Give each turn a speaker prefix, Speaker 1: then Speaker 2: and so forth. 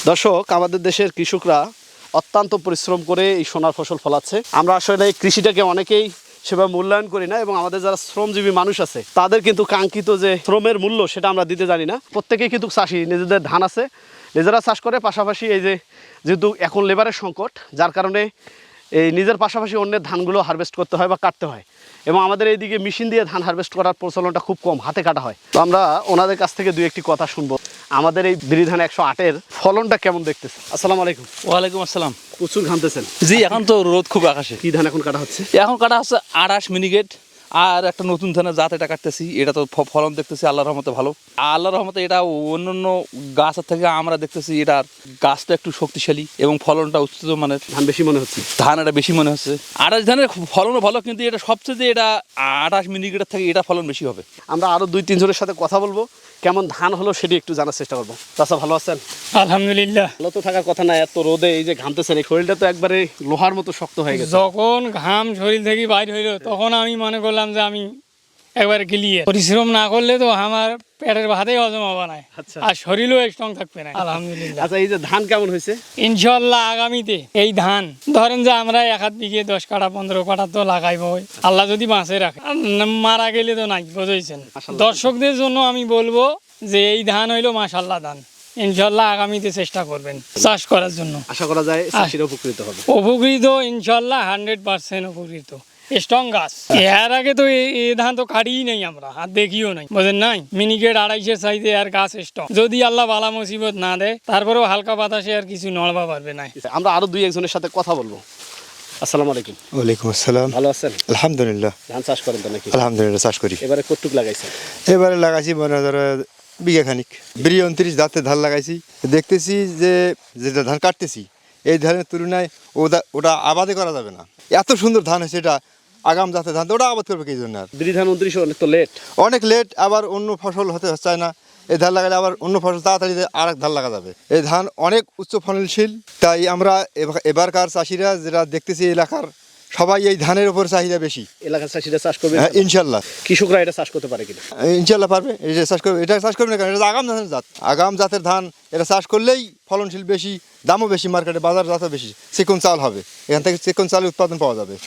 Speaker 1: দর্শক, আমাদের দেশের কৃষকরা অত্যন্ত পরিশ্রম করে এই সোনার ফসল ফলাচ্ছে। আমরা আসলে এই কৃষিটাকে অনেকেই সেভাবে মূল্যায়ন করি না, এবং আমাদের যারা শ্রমজীবী মানুষ আছে তাদের কিন্তু কাঙ্ক্ষিত যে শ্রমের মূল্য সেটা আমরা দিতে জানি না। প্রত্যেকেই কিন্তু চাষি, নিজেদের ধান আছে, নিজেরা চাষ করে, পাশাপাশি এই যে যেহেতু এখন লেবারের সংকট, যার কারণে এই নিজের পাশাপাশি অন্যের ধানগুলো হারভেস্ট করতে হয় বা কাটতে হয়, এবং আমাদের এইদিকে মেশিন দিয়ে ধান হারভেস্ট করার প্রচলনটা খুব কম, হাতে কাটা হয়। তো আমরা ওনাদের কাছ থেকে দুই একটি কথা শুনবো। আমাদের এই বিরি ধান 108-এর ফলনটা কেমন দেখতেছে? আসসালামু আলাইকুম।
Speaker 2: ওয়ালাইকুম আসসালাম।
Speaker 1: প্রচুর ঘামতেছেন।
Speaker 2: জি, এখন তো রোদ খুব আকাশে।
Speaker 1: কি ধান এখন কাটা হচ্ছে?
Speaker 2: এখন কাটা হচ্ছে 28 মিনিকেট, আর একটা নতুন ধানের জাত এটা কাটতেছি। এটা তো ফলন দেখতেছি আল্লাহর রহমতে ভালো। আল্লাহর রহমতে এটা অন্যান্য গাছের থেকে আমরা দেখতেছি এটার গাছটা একটু শক্তিশালী এবং ফলনটা উচ্চত মানের।
Speaker 1: ধান বেশি মনে হচ্ছে?
Speaker 2: ধান এটা বেশি মনে হচ্ছে। 28 ধানের ফলনও ভালো, কিন্তু এটা সবচেয়ে যে এটা 28 মিনিকেটের থেকে এটা ফলন বেশি হবে।
Speaker 1: আমরা আরো 2-3 জনের সাথে কথা বলবো, কেমন ধান হলো সেটি একটু জানার চেষ্টা করবো। চাচা, ভালো আছেন?
Speaker 3: আলহামদুলিল্লাহ।
Speaker 1: ভালো তো থাকার কথা না, এত রোদে এই যে ঘামতেছেন, এই শরীরটা তো একবারে লোহার মতো শক্ত হয়ে গেছে।
Speaker 3: যখন ঘাম শরীর থেকে বাইর হইলো তখন আমি মনে করলাম যে আমি একবার ক্লিয়ার। পরিশ্রম না করলে তো আমার পেটের ভাতেই হজম হবে না,
Speaker 1: আচ্ছা।
Speaker 3: আর শরীরও স্ট্রং থাকবে না। আলহামদুলিল্লাহ।
Speaker 1: আচ্ছা, এই যে ধান কেমন হয়েছে?
Speaker 3: ইনশাল্লাহ আগামীতে এই ধান ধরেন যে আমরা 1 বিঘে 10 কাঠা 15 কাঠা তো লাগাইবো, আল্লাহ যদি বাঁচে রাখে। আর মারা গেলে তো নাই, বুঝেছেন।
Speaker 1: মাশাআল্লাহ।
Speaker 3: দর্শকদের জন্য আমি বলবো যে এই ধান হইলো মাশাআল্লাহ ধান। ইনশাল্লাহ আগামীতে চেষ্টা করবেন চাষ করার জন্য।
Speaker 1: আশা করা যায় চাষিরা উপকৃত হবে।
Speaker 3: উপকৃত ইনশাল্লাহ 100% উপকৃত। স্ট্রং গাছ। এর আগে তো এই ধান তো কাটিই নেই আমরা, আর দেখিও নাই, বুঝেন নাই। মিনিকেট 250 সাইজে আর গাছ স্ট্রং। যদি আল্লাহ বালা মুসিবত না দেয়, তারপরেও হালকা বাতাসে আর কিছু নড়বা পারবে না।
Speaker 1: আমরা আরো 2-1 জনের সাথে কথা বলবো। আসসালামু আলাইকুম।
Speaker 4: ওয়ালাইকুম আসসালাম।
Speaker 1: ভালো আছেন?
Speaker 4: আলহামদুলিল্লাহ।
Speaker 1: ধান চাষ করেন তো নাকি?
Speaker 4: আলহামদুলিল্লাহ চাষ করি।
Speaker 1: এবারে কতটুক লাগাইছেন?
Speaker 4: এবারে লাগাইছি মনে ধরো বিঘা খানিক। বিরি 29 জাতের ধান লাগাইছি। দেখতেছি যে যেটা ধান কাটতেছি এই ধানের তুলনায় ওটা আবাদে করা যাবে না। এত সুন্দর ধান হয়েছে, এটা আগাম জাতের ধান, ওটা আবাদ করবে কি জন্য? আর
Speaker 1: বিরি ধান 29 অনেক তো লেট।
Speaker 4: অনেক লেট, আবার অন্য ফসল হতে চায় না। এই ধান লাগালে আবার অন্য ফসল তাড়াতাড়ি আর এক ধান লাগা যাবে। এই ধান অনেক উচ্চ ফলনশীল, তাই আমরা এবারকার চাষিরা যেটা দেখতেছি এলাকার সবাই এই ধানের উপর চাহিদা বেশি।
Speaker 1: এলাকার চাষিরা চাষ করবে?
Speaker 4: হ্যাঁ, ইনশাল্লাহ।
Speaker 1: কৃষকরা এটা চাষ করতে পারে কিনা?
Speaker 4: ইনশাল্লাহ পারবে। এটা চাষ করবে, এটা চাষ করবে না কারণ এটা আগাম ধানের জাত। আগাম জাতের ধান এটা চাষ করলেই ফলনশীল বেশি, দামও বেশি, মার্কেটে বাজার জাতও বেশি, চিকন চাল হবে। এখান থেকে চিকন চালের উৎপাদন পাওয়া যাবে।